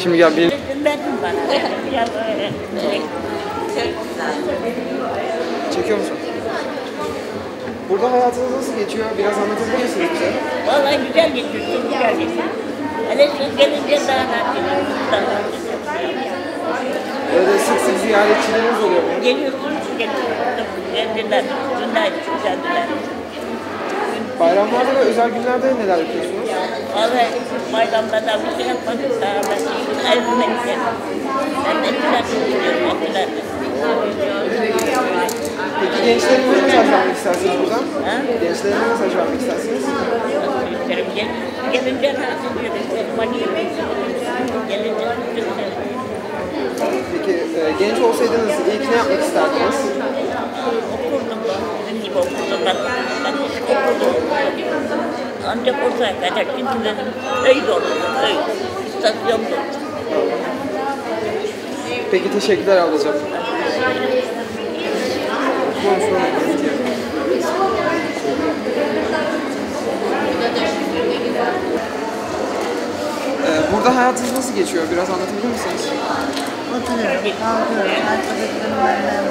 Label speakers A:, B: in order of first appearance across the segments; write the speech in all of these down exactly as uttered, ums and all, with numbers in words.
A: Şimdi gel bir... Çekiyor musun? Burada hayatınız nasıl geçiyor? Biraz anlatabilir misiniz bize?
B: Vallahi güzel geçiyor, çok güzel geçiyor. Hele siz gelince daha rahat geçiyor.
A: Böyle sık sık ziyaretçileriniz oluyor mu?
B: Geliyorsunuz, geliyorsunuz. Geldiler, dündaydı, çok geldiler.
A: Bayramlarda ve özel günlerde neler yapıyorsunuz?
B: Vallahi bayramlarda bir şey yapmadık daha ben şimdi evime gidelim. Ben de güzel gidiyorum, okular.
A: Peki gençlere ne mesaj vermek istersiniz buradan? Ha? Gençlere ne mesaj vermek istersiniz?
B: Gel, gelince rahat ediyoruz. Gelince
A: Peki e, genç olsaydınız ilk ne yapmak isterdiniz?
B: okurdum. Bizim gibi okurdum ben. Ben hiç okurdum. Ancak ortaya kadar çünkü benim öyle oldu. Öyle. İstasyonda oldu.
A: Peki teşekkürler ablacığım. Ee, burada hayatınız nasıl geçiyor? Biraz anlatabilir misiniz?
C: Oturuyorum, kalkıyorum, arkadaşlarım benden.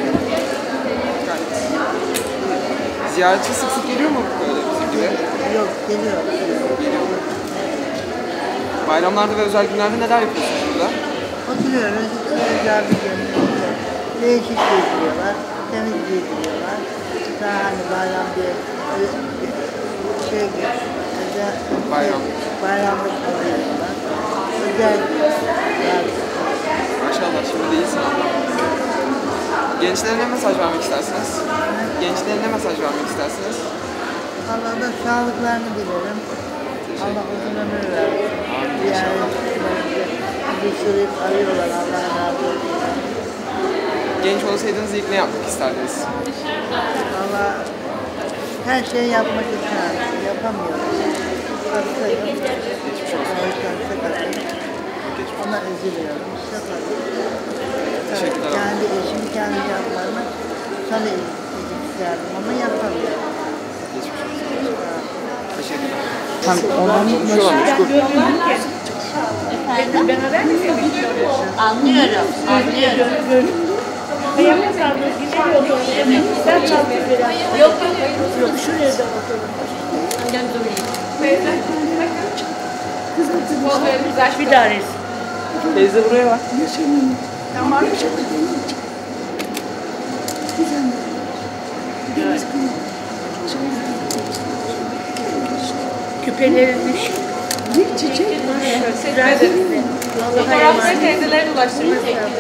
A: Ziyaretçi sık sık geliyor mu böyle bizim gibi?
C: Yok, geliyor.
A: Geliyor mu? Bayramlarda ve özel günlerde neler yapıyorsunuz burada?
C: Oturuyoruz, güzel bir görünüyor. Değişik gezdiriyorlar, temiz gezdiriyorlar. Daha hani bayram diye şey özel,
A: Bayram.
C: bayramlık kalıyorlar. Özel
A: Maşallah şimdi değilsin abla. Gençlere ne mesaj vermek istersiniz? Gençlere ne mesaj vermek istersiniz?
C: Allah'a da sağlıklarını dilerim. Allah uzun ömür versin. Yani bir sürü arıyorlar, Allah razı olsun.
A: Genç olsaydınız ilk ne yapmak isterdiniz?
C: Valla her şeyi yapmak isterdim, yapamıyorum. Hastayım.
A: Geçmiş olsun.
C: Hastayım. Ona üzülüyorum.
A: Teşekkürler.
C: Kendi işimi kendi yapmamı sana isterdim ama yapamıyorum.
A: Geçmiş olsun. Teşekkürler.
C: Tam
A: Konuşuyorlarmış.
B: Efendim? Beraber mi seviyorsunuz?
D: Anlıyorum, anlıyorum.
B: Ayakta kaldınız, güzel oluyor. Ben kaldım biraz.
D: Yok yok,
B: Yok, şuraya da bakalım.
D: gel durayım.
B: Bir daha resim.
A: Teyze buraya bak.
B: Tamam. Küpelerin düşük. Bir çiçek. Güzel de güzel.
D: Fotoğrafları teyzelere ulaştırmak lazım.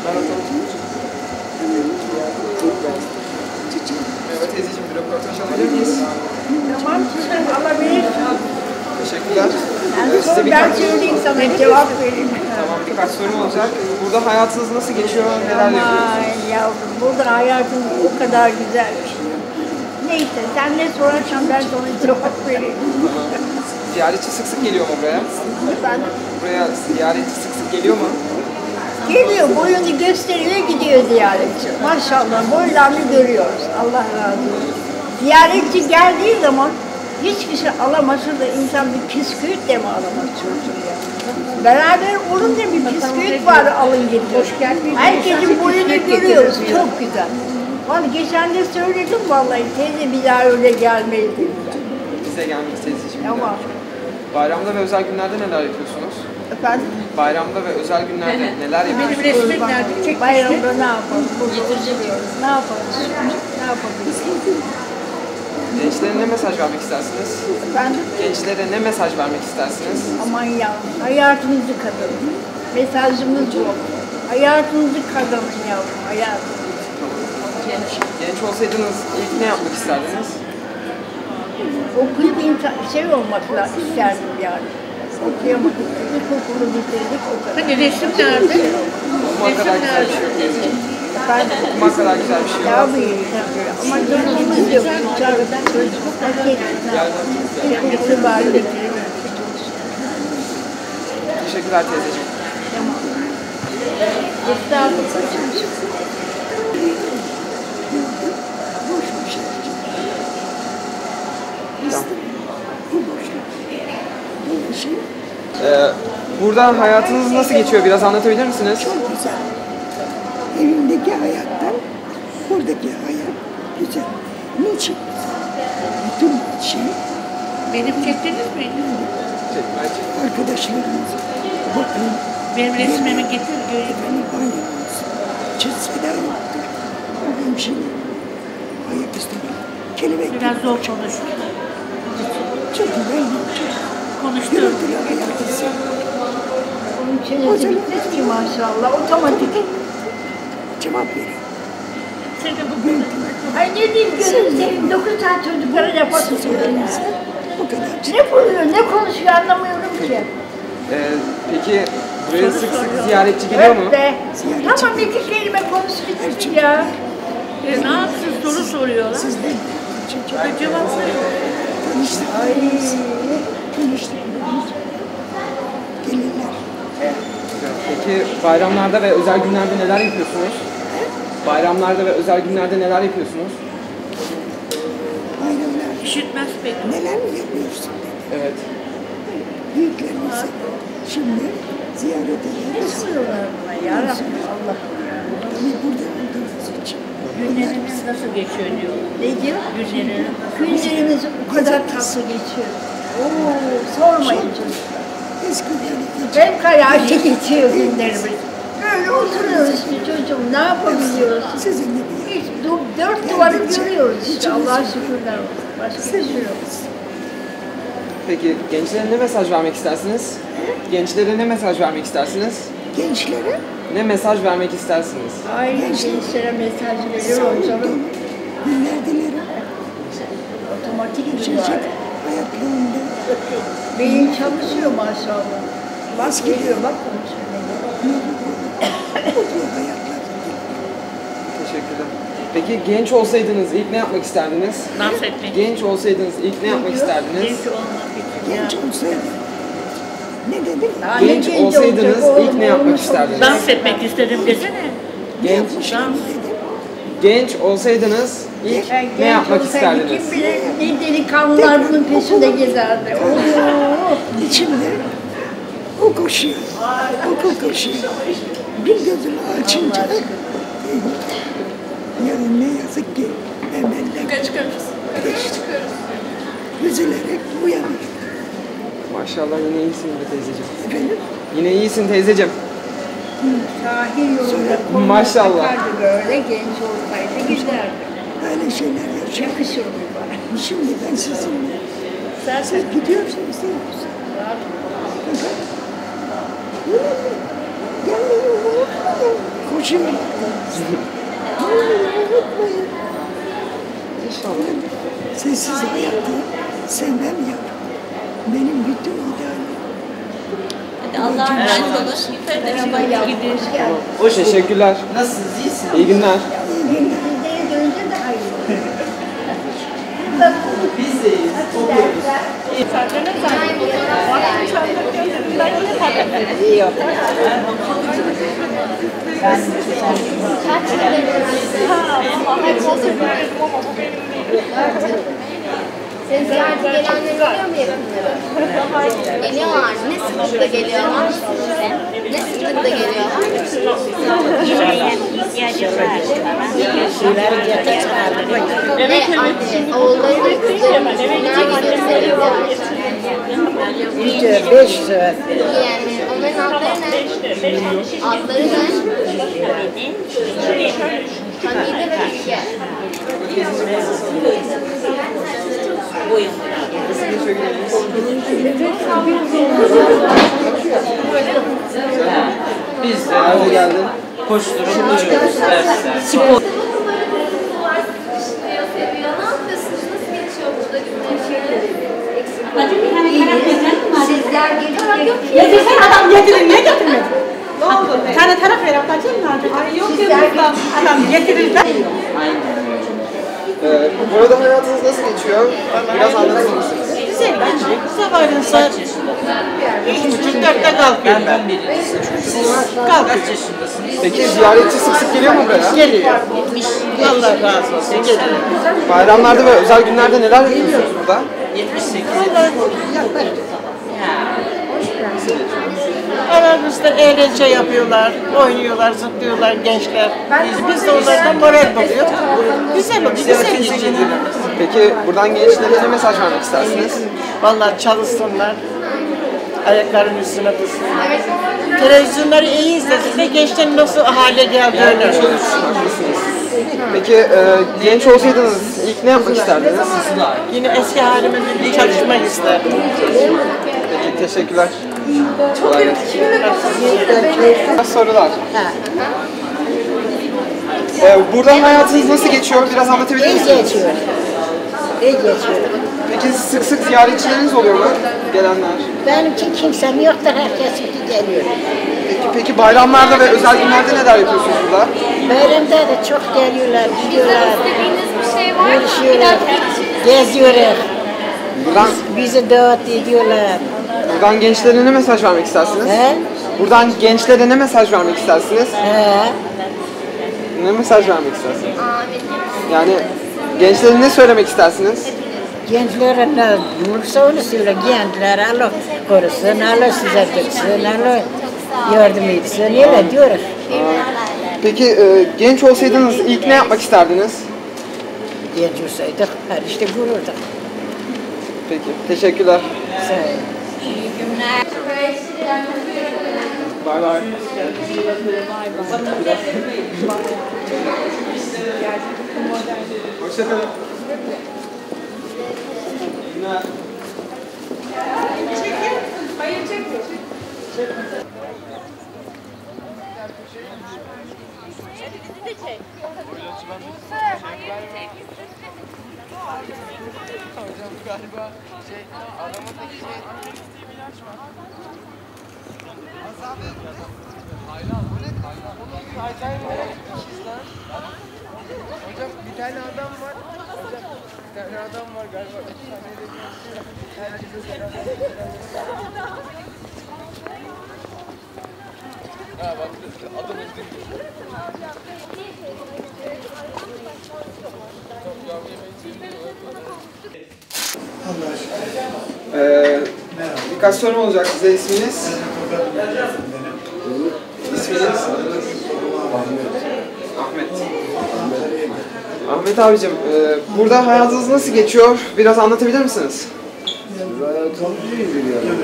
A: Merhaba teyzeciğim, bir röportaj alabilir miyiz?
B: Tamam, alabilirsin.
A: Teşekkürler.
B: Yani
A: Size
B: ben
A: birkaç,
B: söyleyeyim sana cevap vereyim.
A: tamam, birkaç sorum olacak. Burada hayatınız nasıl geçiyor, neler yapıyorsunuz?
B: Aman yavrum, burada hayatım o kadar güzel ki. Neyse, sen ne sorarsan ben sana cevap vereyim.
A: Ziyaretçi sık sık geliyor mu buraya?
B: Ben
A: Buraya ziyaretçi sık sık geliyor mu?
B: geliyor, boyunu gösteriyor, gidiyor ziyaretçi. Maşallah, boylarını görüyoruz. Allah razı olsun. Ziyaretçi geldiği zaman hiçbir şey alamasa da insan bir püsküvit de mi alamaz çocuğu ya? Beraber olunca bir püsküvit var alın getir. Herkesin boyunu görüyoruz, çok güzel. Vallahi geçen de söyledim vallahi, teyze bir daha öyle gelmeyiz dediler.
A: Bize gelmek teyzeciğim.
B: Tamam.
A: Bayramda ve özel günlerde neler yapıyorsunuz?
B: Efendim?
A: Bayramda ve özel günlerde neler yapıyorsunuz?
B: Benim resmim nerede? Çek bayramda ne yapalım? Getireceğiz. Ne yapalım? Ne yapabiliriz?
A: Gençlere ne mesaj vermek istersiniz?
B: Efendim?
A: Gençlere ne mesaj vermek istersiniz?
B: Aman ya, hayatınızı kazanın. Mesajımız bu. Hayatınızı kazanın yavrum, hayatınızı.
A: Genç, genç olsaydınız ilk ne yapmak isterdiniz?
B: Okuyup insan, şey olmakla isterdim yani. Okuyamadık, ilkokulu bitirdik o kadar.
D: Hani resim nerede?
A: Okumak kadar güzel bir şey yok teyzeciğim.
B: Ben
A: Okumak kadar güzel bir şey yok.
B: daha büyük tabii. Ama durumumuz yok. Çocuk, çocuk, erkek. İlkokulu bari bitirdik.
A: Teşekkürler teyzeciğim.
B: Tamam. Estağfurullah.
A: Ee, Burada hayatınız nasıl geçiyor? Biraz anlatabilir misiniz?
E: Çok güzel. Evimdeki hayattan buradaki hayat güzel. Niçin? Bütün şey
D: Benim çektiniz mi?
E: arkadaşlarımız bakın
D: Benim resmimi getir göreyim.
E: efendim bayramımız. Çizsede yoktur. O hemşire ayaküstü bir kelebek
D: Biraz zor konuş.
E: çok güzel bir şey.
D: Konuştum.
E: Gürültülü hayatı
B: Onun çenesi bitmez ki maşallah. Otomatik.
E: cevap verin.
D: Seni bugün
B: Ay ne diyeyim gözüm seveyim. Dokuz tane çocuklara laf atıyorsun.
E: Bu kadar.
B: Ne buluyor, ne konuşuyor anlamıyorum ki.
A: Ee, peki buraya sık sık ziyaretçi geliyor mu?
B: Evet be. Tamam iki kelime konuş bitir ya.
D: e, ne yapsın soru soruyorlar.
E: Siz de çok
D: Ben cevap veriyorum.
E: tanıştık. Tanıştık. Gelirler.
A: Peki bayramlarda ve özel günlerde neler yapıyorsunuz? Bayramlarda ve özel günlerde neler yapıyorsunuz?
E: Bayramlar.
D: İşitmez pek.
E: Neler mi yapıyorsun?
A: Evet.
E: Büyüklerimizi şimdi ziyaret ediyoruz.
B: Kızıyorlar buna ya Rabbim Allah.
E: Tabii burada olduğumuz için.
D: Günleriniz nasıl geçiyor diyorlar.
B: Ne diyor?
D: Günleriniz.
B: Günlerimiz o kadar tatlı geçiyor. Oo, sormayın çocuklar.
E: Eskiden
B: Hem kayağıyla geçiyor günlerimiz. Böyle oturuyoruz bir çocuğum, ne yapabiliyoruz?
E: sizin gibi
B: Hiç du- dört duvarı görüyoruz işte, Allah'a şükürler olsun. Başka bir şey yok.
A: Peki gençlere ne mesaj vermek istersiniz? Gençlere ne mesaj vermek istersiniz?
E: gençlere
A: Ne mesaj vermek istersiniz?
B: Ay gençlere mesaj veriyorum canım.
E: günler dilerim.
B: Otomatik
E: Çocuk
B: duyuyor.
E: hayatlarında
B: Beyin çalışıyor maşallah. Bak geliyor bak konuşuyor.
E: mutlu hayatlar.
A: Teşekkürler. Peki genç olsaydınız ilk ne yapmak isterdiniz?
D: Dans etmek.
A: Genç olsaydınız ilk ne yapmak isterdiniz?
D: Genç olmak için.
E: Genç olsaydı. Ne dedim?
B: Daha ne
A: Genç
B: genç
A: olsaydınız
B: olacak
A: ilk
B: oğlum,
A: ne yapmak
B: olmuş
A: isterdiniz?
B: olacak.
D: Dans etmek istedim desene.
A: Genç,
D: Dans.
A: genç olsaydınız ilk
B: Yani
A: ne
B: genç
A: yapmak
B: olsaydı
A: isterdiniz?
B: Kim bilir ne delikanlılar bunun peşinde gezerdi. Oo.
E: İçimde o koşuyor. Okul koşuyor. Bir gözümü açınca yani ne yazık ki evvelden geçti. Üzülerek uyanır.
A: Maşallah yine iyisin be teyzeciğim.
E: Efendim?
A: Yine iyisin teyzeciğim.
B: Sahil yolunda koluna
A: Maşallah.
B: takardı böyle genç olsaydı giderdi.
E: Öyle şeyler yaşıyor.
B: Yakışırdı bana.
E: Şimdi ben sizinle. Siz gidiyorsunuz değil mi? Fakat gelmeyi unutmayın. Koşun. Gelmeyi unutmayın.
A: İnşallah.
E: Sessiz hayatı sevmem ya. Benim bütün idealim.
D: Allah'a emanet olun.
B: Merhaba yavrum, hoş geldin.
A: Teşekkürler.
F: Nasılsınız? İyisiniz?
A: İyi günler.
B: Sizlere dönünce de hayırlı.
F: Biz de iyiyiz. Okuyoruz.
G: Sen ziyarete gelenler geliyor mu yakınlara? Geliyorlar. Ne sıklıkla geliyorlar? Ne sıklıkla geliyorlar? Ne anne, oğulları ve kızları kimler gidiyor
C: İşte beş saat.
G: yani onların adları ne? Adları ne? Hamide ve Bilge.
F: Biz de
A: Nerede geldin?
F: koşturup duruyoruz dersler.
G: Seviyor. Ne yapıyorsunuz? Nasıl geçiyor burada günler? Sizler gelip
H: Getirsene adam getirin, niye getirmedin? Ne oldu? Bir tane taraf ver, atacağım mı? Ay yok ya buradan. Adam getirirler.
A: Ee, burada hayatınız nasıl geçiyor? Biraz anlatır mısınız?
H: Güzel geçiyor. Sabahleyin saat üç buçuk dörtte kalkıyorum ben.
F: Benden biri. Siz
H: Kalkıyorum.
F: kaç yaşındasınız?
A: Peki ziyaretçi sık sık geliyor mu buraya?
H: Geliyor. Allah razı olsun. Geliyor.
A: Bayramlarda ve özel günlerde neler yapıyorsunuz burada?
F: yetmiş sekiz.
H: Vallahi yaklaşık.
E: Aramızda eğlence yapıyorlar, oynuyorlar, zıplıyorlar gençler. Biz, biz de onlardan moral buluyor. Güzel oluyor, güzel geçiyor.
A: Peki buradan gençlere ne mesaj vermek istersiniz?
E: Vallahi çalışsınlar, ayaklarının üstüne dursunlar. Televizyonları iyi izlesin de gençlerin nasıl hale geldiğini.
A: Haklısınız. Peki e, genç olsaydınız ilk ne yapmak isterdiniz?
E: Yine eski halime bir çalışmak isterdim.
A: Peki teşekkürler. Kolay gelsin. Sorular. Ee, burada hayatınız nasıl geçiyor? Biraz anlatabilir misiniz?
B: İyi geçiyor. İyi geçiyor.
A: Peki sık sık ziyaretçileriniz oluyor mu? Gelenler.
B: Benimki kimsem yoktur, herkes geliyor.
A: Peki, peki bayramlarda ve özel günlerde neler yapıyorsunuz burada?
B: Bayramda da çok geliyorlar, gidiyorlar,
G: İstediğiniz bir şey var mı? Bir
B: görüşüyorlar,
G: dakika.
B: geziyorlar.
A: Buradan,
B: Bizi davet ediyorlar.
A: buradan gençlere ne mesaj vermek istersiniz?
B: He?
A: Buradan gençlere ne mesaj vermek istersiniz?
B: He?
A: Ne mesaj vermek istersiniz?
G: Amin.
A: Yani gençlere ne söylemek istersiniz?
B: Gençlere ne bulursa onu söyle. Gençler Allah korusun, Allah size tutsun, Allah yardım etsin. Öyle diyoruz.
A: Peki e, genç olsaydınız ilk ne yapmak isterdiniz?
B: Genç olsaydık her işte gururduk.
A: Peki, teşekkürler.
B: Sağ olun.
A: Bay bay. Hoşçakalın. Günler.
I: Hocam bir tane adam var. Hocam bir tane adam var galiba. Bir tane de ha bak adım ettim.
A: Ee, birkaç sorum olacak size. İsminiz? İsminiz? Ahmet. Ahmet abicim, e, burada hayatınız nasıl geçiyor? Biraz anlatabilir misiniz?
J: Hayatımız iyidir yani.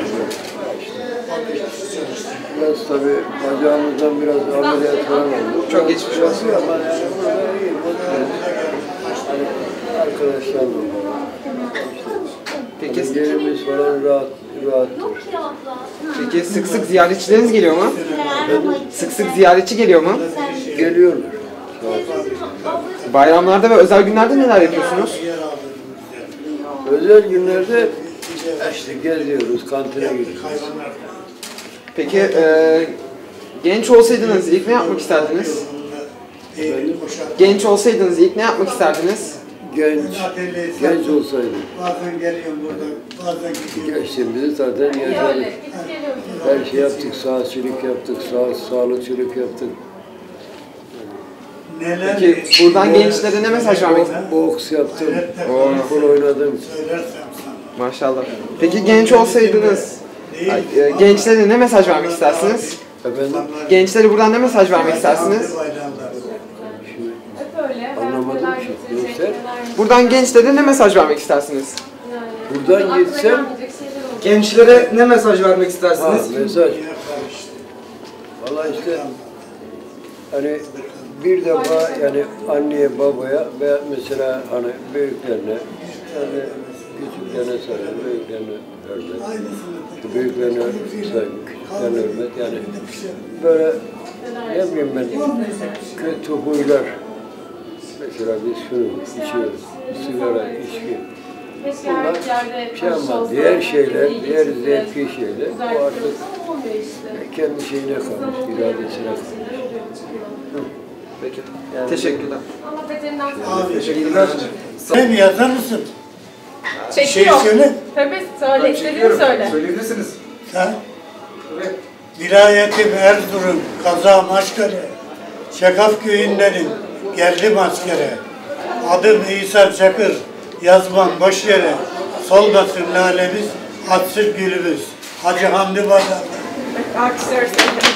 J: Biraz tabii bacağımızdan biraz ameliyat falan oldu.
A: Çok geçmiş olsun.
J: Ama yani burada iyi, mutluyuz. Hani arkadaşlarla falan.
A: Peki,
J: Hani yerimiz falan rahat, rahattır.
A: peki sık sık ziyaretçileriniz geliyor mu? Sık sık ziyaretçi geliyor mu?
J: Geliyorlar.
A: Bayramlarda ve özel günlerde neler yapıyorsunuz?
J: Özel günlerde işte geziyoruz, kantine gidiyoruz.
A: Peki e, genç olsaydınız ilk ne yapmak isterdiniz?
J: Efendim?
A: Genç olsaydınız ilk ne yapmak isterdiniz?
J: Genç, genç olsaydı.
I: Bazen geliyorum burada, bazen gidiyorum.
J: Gençliğimizi zaten yaşadık. Her şey yaptık, saatçilik yaptık, sağ, sağlıkçılık yaptık.
I: Neler
A: Peki buradan gençlere ne mesaj vermek istersiniz?
J: Boks yaptım, futbol oynadım.
I: söylersem sana.
A: Maşallah. Peki genç olsaydınız ay, e, gençlere ne mesaj vermek istersiniz?
J: Efendim,
A: Gençlere buradan ne mesaj vermek istersiniz?
J: anlamadım ki. Gençler,
A: Buradan gençlere ne mesaj vermek istersiniz?
J: buradan gitsem,
A: Gençlere ne mesaj vermek
J: ha,
A: istersiniz?
J: mesaj. Valla işte, hani bir defa yani anneye, babaya ve mesela hani büyüklerine, yani küçüklerine saygı, büyüklerine hürmet, büyüklerine saygı, küçüklerine hürmet, yani böyle ne bileyim ben, kötü huylar, mesela biz şunu içiyoruz, sigara, içki, bunlar şey ama diğer şeyler, diğer zevki şeyler, bu artık kendi şeyine kalmış, iradesine kalmış.
A: Peki. Teşekkürler.
I: Teşekkürler. Sen yazar mısın? Bir şey söyle.
H: Tabii söyle, istediğini söyle.
A: Söyleyebilirsiniz.
I: Sen? Vilayetim Erzurum, Kaza Maşkare, Şakaf köyündenim, geldim askere. Adım İsa Çakır, yazmam boş yere, solmasın lalemiz, atsın gülümüz.
K: Hacı Hamdi Bazar.
L: Alkışlıyoruz.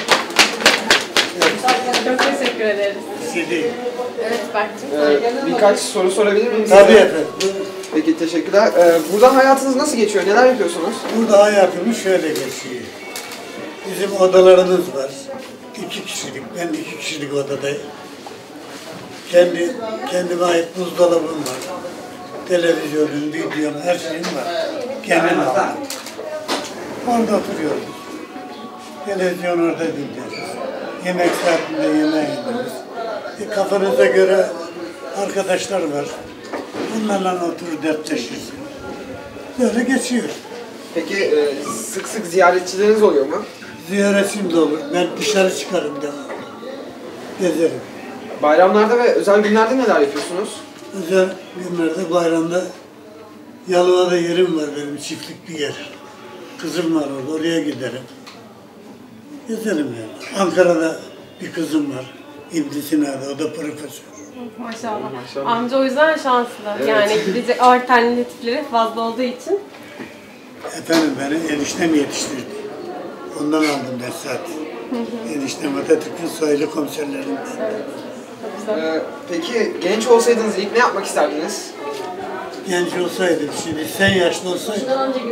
L: Çok teşekkür ederiz.
K: Sidi.
L: Evet Berk'cim.
A: Ee, birkaç soru sorabilir miyim?
K: Tabii efendim.
A: Peki teşekkürler. Ee, burada hayatınız nasıl geçiyor? Neler yapıyorsunuz?
K: Burada hayatımız şöyle geçiyor. Bizim odalarımız var. İki kişilik, ben iki kişilik odadayım. Kendi, kendime ait buzdolabım var. Televizyonum, videom, her şeyim var. Kendim aldım. Orada oturuyoruz. Televizyon orada dinliyoruz. Yemek saatinde yemeğe yiyoruz. E, kafanıza göre arkadaşlar var. Onlarla oturup dertleşiyoruz. Böyle geçiyor.
A: Peki e, sık sık ziyaretçileriniz oluyor mu?
K: Ziyaretim de olur. Ben dışarı çıkarım devamlı. Gezerim.
A: Bayramlarda ve özel günlerde neler yapıyorsunuz?
K: Özel günlerde, bayramda Yalova'da yerim var benim, çiftlik bir yer. Kızım var orada, oraya giderim. Gezerim yani. Ankara'da bir kızım var. İbn Sina'da, o da profesör.
L: Maşallah.
A: Maşallah.
L: Amca o yüzden şanslı.
A: Evet.
L: Yani gidecek alternatifleri fazla olduğu için.
K: Efendim beni eniştem yetiştirdi. Ondan aldım ders saati. Eniştem Atatürk'ün soylu komiserlerinden.
A: Ee, peki genç olsaydınız ilk ne yapmak isterdiniz?
K: Genç olsaydım, şimdi sen yaşlı olsaydın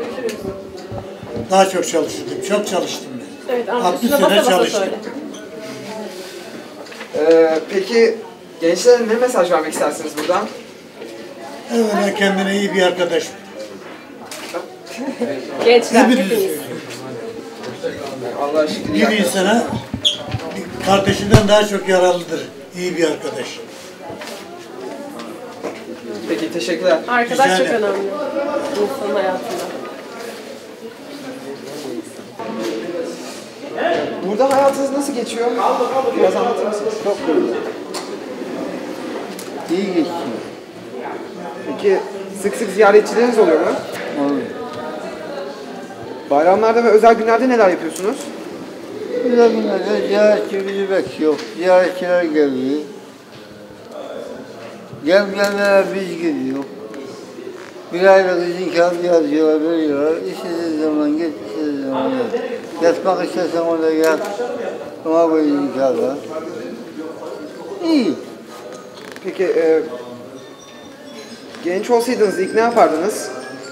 K: daha çok çalışırdım. Çok çalıştım ben.
L: Evet amca
K: altmış
L: şuna basa
K: sene
L: basa
K: çalıştım.
L: söyle.
A: Ee, peki gençlere ne mesaj vermek istersiniz buradan?
K: Evvela kendine iyi bir arkadaş.
L: Gençler
K: Hepiniz
L: hepiniz.
K: söylüyorum.
A: Allah şükür.
K: Bir insana bir kardeşinden daha çok yararlıdır. İyi bir arkadaş.
A: Peki teşekkürler.
L: Arkadaş
K: Rica
L: çok
K: ederim.
L: önemli insanın hayatında.
A: Burada hayatınız nasıl geçiyor? Biraz anlatır mısınız?
J: Çok güzel. İyi geçiyor.
A: Peki sık sık ziyaretçileriniz oluyor mu?
J: Olur.
A: Bayramlarda ve özel günlerde neler yapıyorsunuz?
J: Güzel günlerde ziyaretçi bizi bekliyor. Ziyaretçiler geliyor. Gelmeyenlere biz gidiyor. Bir aylık izin kağıdı yazıyorlar, veriyorlar. İstediğin zaman git, istediğin zaman git. Yatmak istersen orada yat. Ona koy izin kağıdı. İyi.
A: Peki e, genç olsaydınız ilk ne yapardınız?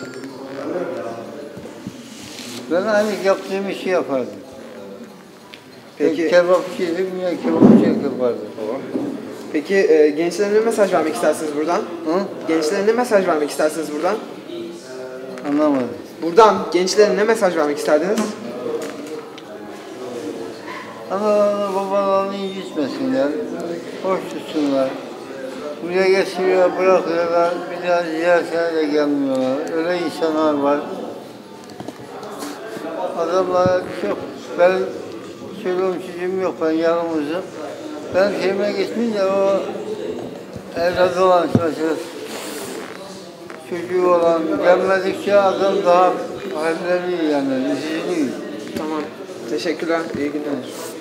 J: Ben aynı yaptığım işi yapardım.
A: Peki.
J: Peki. Kebapçıydım ya kebapçılık yapardım.
A: Peki e, gençlere ne mesaj vermek istersiniz buradan?
J: Hı?
A: Gençlere ne mesaj vermek istersiniz buradan?
J: Anlamadım.
A: Buradan gençlere ne mesaj vermek isterdiniz?
J: Analarını babalarını incitmesinler. Hoş tutsunlar. Buraya getiriyorlar, bırakıyorlar. Bir daha ziyaretine de gelmiyorlar. Öyle insanlar var. Adamlara çok, ben çoluğum çocuğum yok, ben yalnızım. Ben köyüme gitmeyince o evladı olan mesela çocuğu olan gelmedikçe adam daha halleri yani üzülüyor.
A: Tamam. Teşekkürler. İyi günler.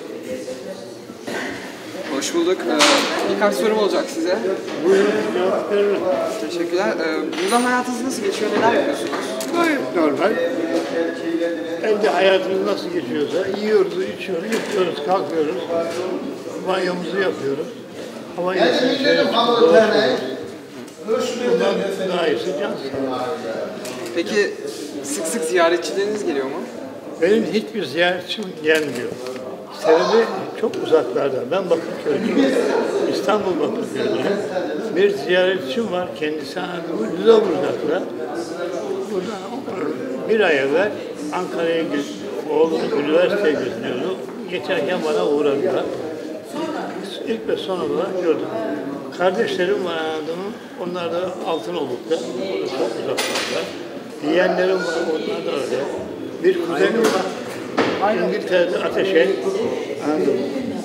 A: Hoş bulduk. Ee, birkaç sorum olacak size.
K: Buyurun, cevap veririm.
A: Teşekkürler. Ee, burada hayatınız nasıl geçiyor? Neler yapıyorsunuz?
K: Gayet normal. Evde hayatımız nasıl geçiyorsa yiyoruz, içiyoruz, yatıyoruz, kalkıyoruz. Banyomuzu yapıyoruz. Hava iyisi şöyle dolaşıyoruz. Bundan daha iyisi can sağlığı.
A: Peki sık sık ziyaretçileriniz geliyor mu?
K: Benim hiçbir ziyaretçim gelmiyor. Sebebi çok uzaklarda. Ben Bakırköy'lüyüm. İstanbul Bakırköy'lüyüm. Bir ziyaretçim var. Kendisi Lüleburgaz'da. Buradan bir ay evvel Ankara'ya gidiyor. Oğlum üniversiteye gidiyordu. Geçerken bana uğradılar. İlk ve son olarak gördüm. Kardeşlerim var adamın. Onlar da Altınoluk'ta. Orada çok uzaklarda. Yeğenlerim var. Onlar da öyle. Bir kuzenim var. İngiltere'de Ateşe. Anladım.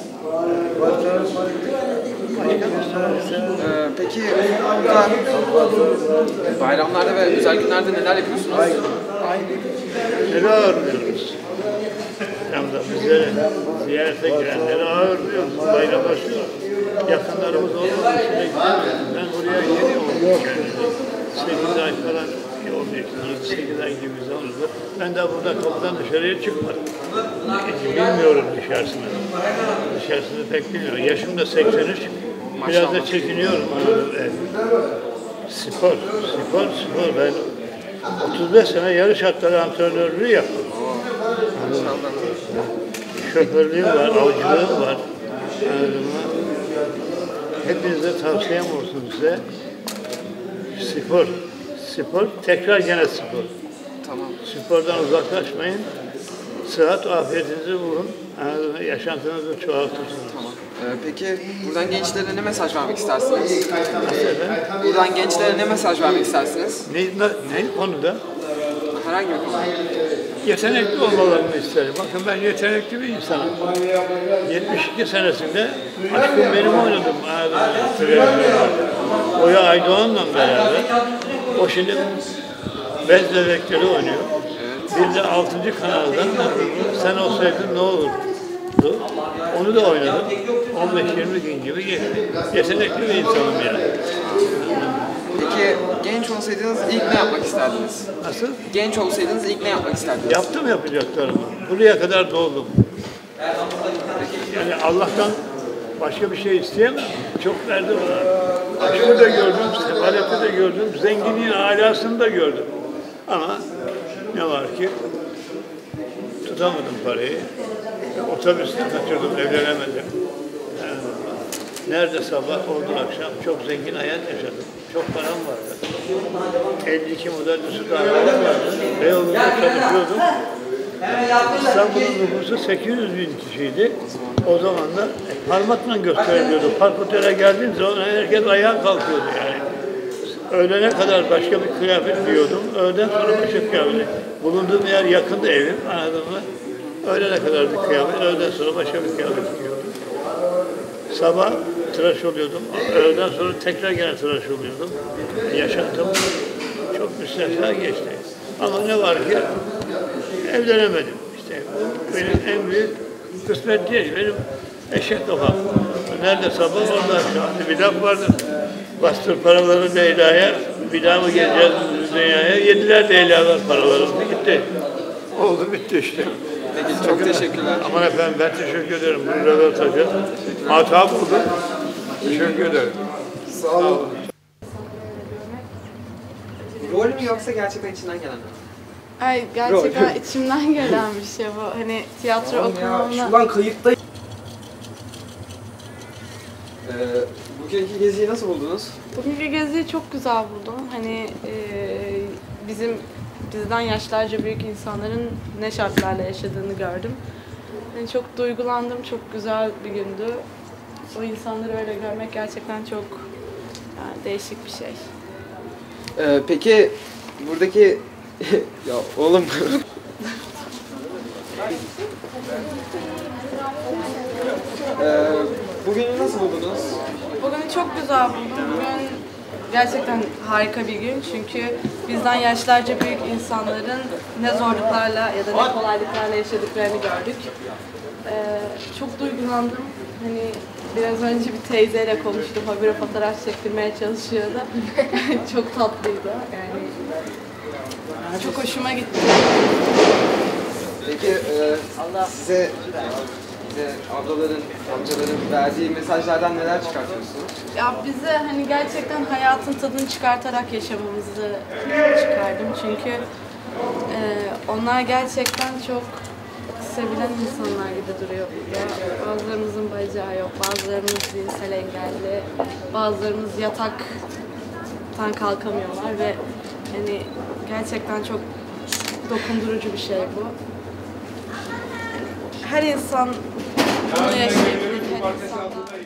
A: Ee, peki burada bayramlarda ve özel günlerde neler yapıyorsunuz?
K: Neler ağırlıyoruz? Hem de bizlere ziyarete girenleri ağırlıyoruz. Bayramlaşıyoruz. Yakınlarımız olmadığı için de gidemiyoruz. Ben buraya yeni oldum. sekiz ay falan on yaşında, sekiz ay gibi bir zamanımda. Ben daha burada kapıdan dışarıya çıkmadım. Bilmiyorum dışarısını. Dışarısını pek bilmiyorum. Yaşım da seksen üç. Biraz da çekiniyorum. Evet. Spor, spor, spor. Ben otuz beş sene yarış atları antrenörlüğü yaptım. Şoförlüğüm var, avcılığım var. Hepinize tavsiyem olsun size. Spor, spor, tekrar gene spor.
A: Tamam.
K: Spordan uzaklaşmayın. Sıhhat, afiyetinizi bulun. Yaşantınızı çoğaltırsınız.
A: Tamam. Ee, peki buradan gençlere ne mesaj vermek istersiniz? Buradan gençlere ne mesaj vermek istersiniz?
K: Ne, ne, ne konuda?
A: Herhangi bir konuda.
K: Yetenekli olmalarını isterim. Bakın ben yetenekli bir insanım. yetmiş iki senesinde Aşkım Benim oynadım. Oya Aydoğan'la beraber. O şimdi Bez Bebekleri oynuyor. Bir de altıncı kanaldan Sen Olsaydın Ne Olurdu? Onu da oynadım. on beş yirmi gün gibi geçti. Yetenekli bir insanım yani.
A: Peki genç olsaydınız ilk ne yapmak isterdiniz?
K: Nasıl?
A: Genç olsaydınız ilk ne yapmak isterdiniz?
K: Yaptım yapacaklarımı. Buraya kadar doldum. Yani Allah'tan başka bir şey isteyemem. Çok verdi bana. Aşkı da gördüm, sefaleti de gördüm, zenginliğin alasını da gördüm. Ama ne var ki tutamadım parayı. Otobüste kaçırdım, evlenemedim. Yani nerede sabah oldu akşam çok zengin hayat yaşadım. Çok param vardı. elli iki model üstü arabalar vardı. Beyoğlu'nda çalışıyordum. İstanbul'un nüfusu sekiz yüz bin kişiydi. O zaman da e, parmakla gösteriliyordu. Park otele geldiğim zaman herkes ayağa kalkıyordu yani. Öğlene kadar başka bir kıyafet giyiyordum. Öğleden sonra başka kıyafet. Bulunduğum yer yakındı evim, anladın mı? Öğlene kadar bir kıyafet, öğleden sonra başka bir kıyafet giyiyordum. Sabah tıraş oluyordum, öğleden sonra tekrar gene tıraş oluyordum. Yaşantım çok müstesna geçti. Ama ne var ki evlenemedim. İşte bu benim en büyük kısmet değil, benim eşek kafam. Nerede sabah orada akşam. Bir laf vardı, bastır paraları Leyla'ya, bir daha mı geleceğiz dünyaya? Yediler Leyla'lar paralarını, gitti. Oldu bitti işte.
A: Peki çok teşekkürler.
K: Aman efendim ben teşekkür ederim. Bu röportajı muhatap oldum. Teşekkür ederim.
A: Sağ olun. Rol mü yoksa gerçekten içinden gelen mi?
M: Ay gerçekten içimden gelen bir şey bu. Hani tiyatro okumamla...
A: Şuradan kayıtta... Ee, bugünkü geziyi nasıl buldunuz?
M: Bugünkü geziyi çok güzel buldum. Hani e, bizim bizden yaşlarca büyük insanların ne şartlarla yaşadığını gördüm. Yani çok duygulandım, çok güzel bir gündü. O insanları öyle görmek gerçekten çok yani değişik bir şey.
A: Ee, peki buradaki... ya oğlum... ee, bugünü nasıl buldunuz?
M: Bugünü çok güzel buldum. Bugün gerçekten harika bir gün çünkü bizden yaşlarca büyük insanların ne zorluklarla ya da ne kolaylıklarla yaşadıklarını gördük. Ee, çok duygulandım. Hani biraz önce bir teyzeyle konuştum. Habire fotoğraf çektirmeye çalışıyordu. Çok tatlıydı. Yani çok hoşuma gitti.
A: Peki e, size size ablaların, amcaların verdiği mesajlardan neler çıkartıyorsunuz?
M: Ya bize hani gerçekten hayatın tadını çıkartarak yaşamamızı çıkardım çünkü e, onlar gerçekten çok sevilen insanlar gibi duruyor. Bazılarımızın bacağı yok, bazılarımız zihinsel engelli, bazılarımız yataktan kalkamıyorlar ve hani gerçekten çok dokundurucu bir şey bu. Her insan bunu yaşayabilir, her insan